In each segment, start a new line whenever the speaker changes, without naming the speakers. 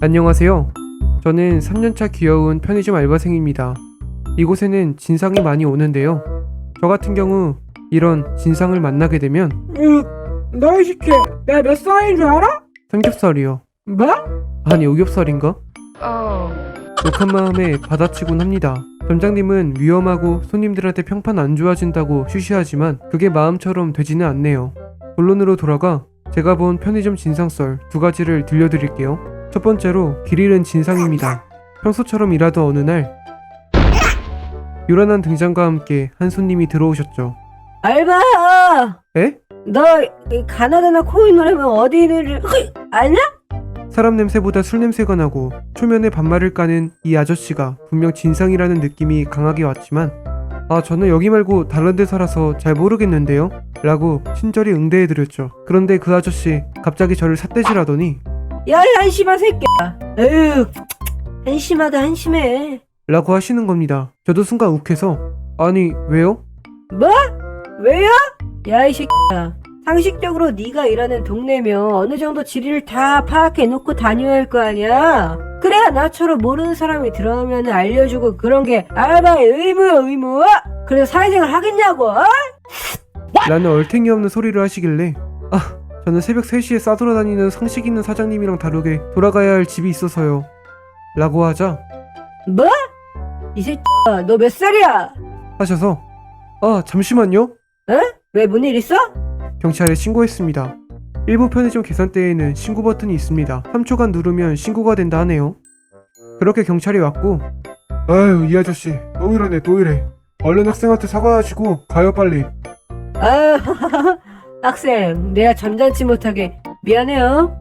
안녕하세요. 저는 3년차 귀여운 편의점 알바생입니다. 이곳에는 진상이 많이 오는데요. 저 같은 경우 이런 진상을 만나게 되면
너 이 새끼 내가 몇 살인 줄 알아?
삼겹살이요.
뭐?
아니 오겹살인가? 욕한 마음에 받아치곤 합니다. 점장님은 위험하고 손님들한테 평판 안 좋아진다고 쉬쉬하지만 그게 마음처럼 되지는 않네요. 본론으로 돌아가 제가 본 편의점 진상썰 2가지를 들려드릴게요. 첫 번째로 길 잃은 진상입니다. 평소처럼 일하던 어느 날 요란한 등장과 함께 한 손님이 들어오셨죠.
알바!
에?
너 이 가나다나 코인 노래면 어디 있는지 아냐?
사람 냄새보다 술 냄새가 나고 초면에 반말을 까는 이 아저씨가 분명 진상이라는 느낌이 강하게 왔지만 저는 여기 말고 다른 데 살아서 잘 모르겠는데요? 라고 친절히 응대해드렸죠. 그런데 그 아저씨 갑자기 저를 삿대질하더니
야, 이 한심한 새끼야. 에휴, 한심하다 한심해.
라고 하시는 겁니다. 저도 순간 욱해서 아니 왜요?
뭐? 왜요? 야, 이 새끼야. 상식적으로 네가 일하는 동네면 어느 정도 지리를 다 파악해 놓고 다녀야 할 거 아니야. 그래야 나처럼 모르는 사람이 들어오면 알려주고 그런 게 알바의 의무야 의무. 그래서 사회생활 하겠냐고. 어?
라는 얼탱이 없는 소리를 하시길래 저는 새벽 3시에 싸돌아다니는 상식 있는 사장님이랑 다르게 돌아가야 할 집이 있어서요. 라고 하자
뭐? 이 새끼야, 너 몇 살이야?
하셔서 잠시만요.
왜 뭔 일 있어?
경찰에 신고했습니다. 일부 편의점 계산대에는 신고 버튼이 있습니다. 3초간 누르면 신고가 된다 하네요. 그렇게 경찰이 왔고 아유 이 아저씨 또 이러네 또 이래. 얼른 학생한테 사과하시고 가요 빨리.
아유, 학생, 내가 점잖지 못하게 미안해요.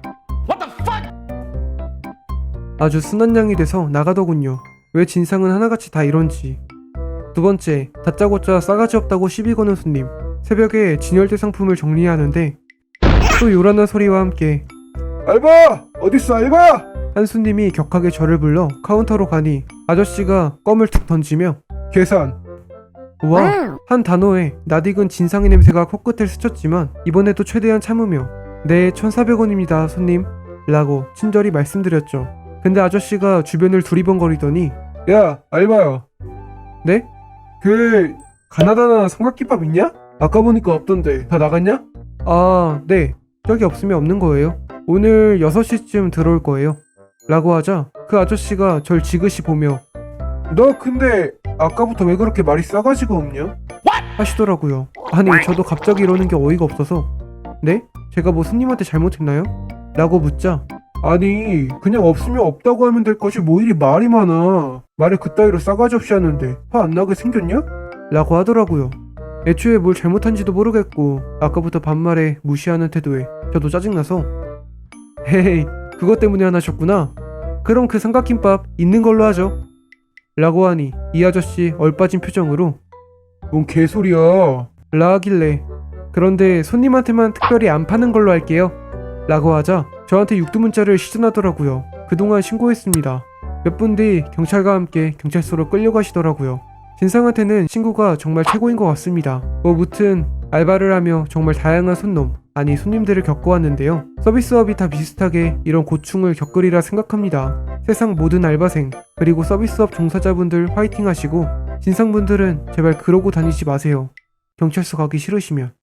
아주 순한 양이 돼서 나가더군요. 왜 진상은 하나같이 다 이런지. 두 번째, 다짜고짜 싸가지 없다고 시비 거는 손님. 새벽에 진열대 상품을 정리하는데 또 요란한 소리와 함께 알바! 어딨어 알바! 한 손님이 격하게 저를 불러 카운터로 가니 아저씨가 껌을 툭 던지며 계산! 와, 한 단어에 낯익은 진상의 냄새가 코끝을 스쳤지만 이번에도 최대한 참으며 네 1,400원입니다 손님 라고 친절히 말씀드렸죠. 근데 아저씨가 주변을 두리번거리더니 야 알바야. 네? 그 가나다나 삼각김밥 있냐? 아까 보니까 없던데 다 나갔냐? 네. 저기 없으면 없는 거예요. 오늘 6시쯤 들어올 거예요. 라고 하자 그 아저씨가 절 지그시 보며 너 근데 아까부터 왜 그렇게 말이 싸가지가 없냐? 하시더라고요. 아니 저도 갑자기 이러는 게 어이가 없어서 네? 제가 뭐 손님한테 잘못했나요? 라고 묻자 아니 그냥 없으면 없다고 하면 될 것이 뭐 이리 말이 많아. 말을 그따위로 싸가지 없이 하는데 화 안 나게 생겼냐? 라고 하더라고요. 애초에 뭘 잘못한지도 모르겠고 아까부터 반말에 무시하는 태도에 저도 짜증나서 헤헤이 그것 때문에 화나셨구나. 그럼 그 삼각김밥 있는 걸로 하죠. 라고 하니 이 아저씨 얼빠진 표정으로 뭔 개소리야 라 하길래 그런데 손님한테만 특별히 안 파는 걸로 할게요 라고 하자 저한테 육두문자를 시전하더라고요. 그동안 신고했습니다. 몇 분 뒤 경찰과 함께 경찰서로 끌려가시더라고요. 진상한테는 친구가 정말 최고인 것 같습니다. 무튼 알바를 하며 정말 다양한 손님들을 겪어왔는데요. 서비스업이 다 비슷하게 이런 고충을 겪으리라 생각합니다. 세상 모든 알바생 그리고 서비스업 종사자분들 화이팅 하시고 진상분들은 제발 그러고 다니지 마세요. 경찰서 가기 싫으시면.